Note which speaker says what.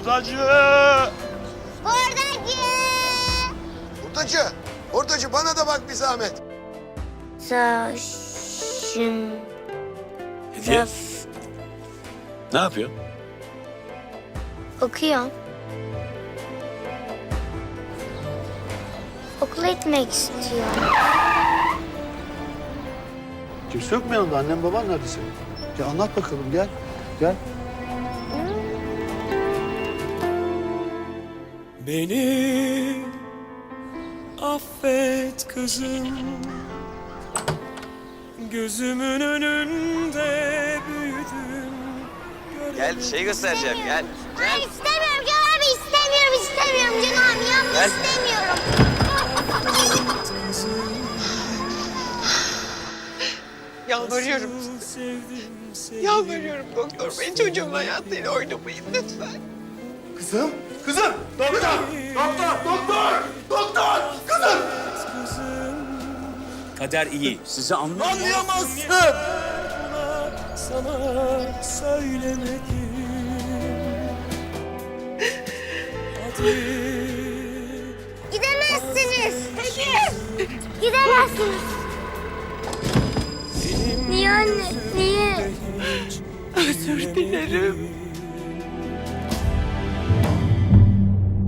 Speaker 1: Hurdacı!
Speaker 2: Hurdacı!
Speaker 3: Hurdacı! Hurdacı bana da bak bir zahmet.
Speaker 2: Saçın...
Speaker 1: Hediye. Ne yapıyor?
Speaker 2: Okuyorum. Okula gitmek istiyorum.
Speaker 4: Kimse yok mu yanında? Annem baban nerede senin? Ya anlat bakalım gel. Gel.
Speaker 5: Beni affet kızım, gözümün önünde büyüdüm.
Speaker 1: Gel bir şey göstereceğim gel.
Speaker 2: Hayır istemiyorum Can abi istemiyorum Can abi yanlış
Speaker 1: Gel.
Speaker 2: istemiyorum.
Speaker 6: Yalvarıyorum size. Yalvarıyorum doktor bey. Çocuğumun hayatıyla oynamayın lütfen.
Speaker 4: Kızım. Kızım. Doktor. Doktor. Kızım.
Speaker 5: Kader iyi. Sizi
Speaker 4: Anlayamazsın.
Speaker 5: sana söylemedim. Hadi.
Speaker 2: Gidemezsiniz. Gidemezsiniz. Niye anne? Niye?
Speaker 6: Özür dilerim.